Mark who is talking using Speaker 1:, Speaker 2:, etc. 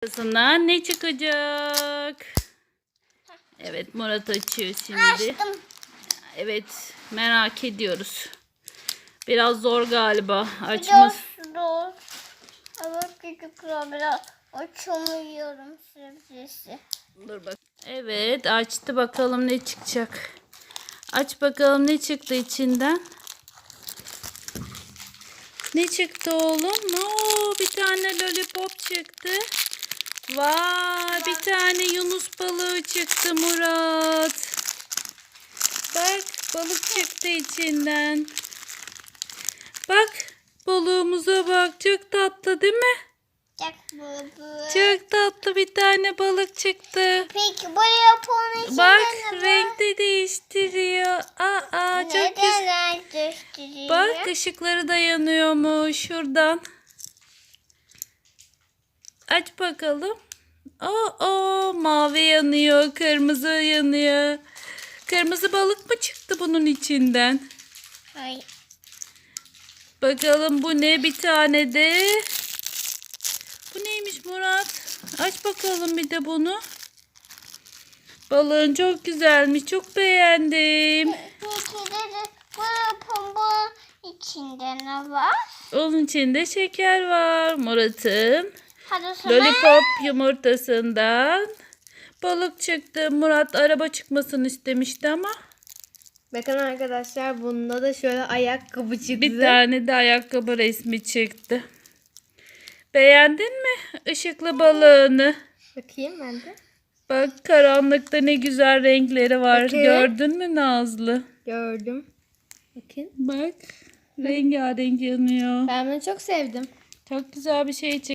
Speaker 1: Arasından ne çıkacak? Evet, Murat açıyor şimdi.
Speaker 2: Açtım.
Speaker 1: Evet, merak ediyoruz. Biraz zor galiba açması.
Speaker 2: Zor. Evet, çocuklar biraz açamıyorum sebzesi.
Speaker 1: Dur bak. Evet, açtı, bakalım ne çıkacak. Aç bakalım ne çıktı içinden. Ne çıktı oğlum? Oo, bir tane lollipop çıktı. Vay, bir tane yunus balığı çıktı Murat. Bak, balık çıktı içinden. Bak, balığımıza bak. Çok tatlı değil mi?
Speaker 2: Çok baba.
Speaker 1: Çok tatlı bir tane balık çıktı.
Speaker 2: Peki bu yapının içinde
Speaker 1: Bak,
Speaker 2: ne var?
Speaker 1: renk de değiştiriyor. Aa, çok güzel.
Speaker 2: Neden gösteriyor?
Speaker 1: Bak, ışıkları da yanıyormuş şuradan. Aç bakalım. Oo, mavi yanıyor, kırmızı yanıyor. Kırmızı balık mı çıktı bunun içinden?
Speaker 2: Hayır.
Speaker 1: Bakalım bu ne, bir tane de. Bu neymiş Murat? Aç bakalım bir de bunu. Balığın çok güzelmiş, çok beğendim.
Speaker 2: Peki de bu yapının içinde ne var?
Speaker 1: Onun içinde şeker var. Murat'ın
Speaker 2: Hadi sana.
Speaker 1: lollipop yumurtasından balık çıktı. Murat araba çıkmasını istemişti ama
Speaker 3: Bakın arkadaşlar, bunda da şöyle ayakkabı çıktı.
Speaker 1: bir tane de ayakkabı resmi çıktı. Beğendin mi ışıklı balığını?
Speaker 3: Bakayım ben de.
Speaker 1: Bak, karanlıkta ne güzel renkleri var.
Speaker 3: Bakın.
Speaker 1: Gördün mü Nazlı?
Speaker 3: Gördüm. Bakın.
Speaker 1: Bak, rengarenk yanıyor.
Speaker 3: Ben bunu çok sevdim.
Speaker 1: Çok güzel bir şey çıktı.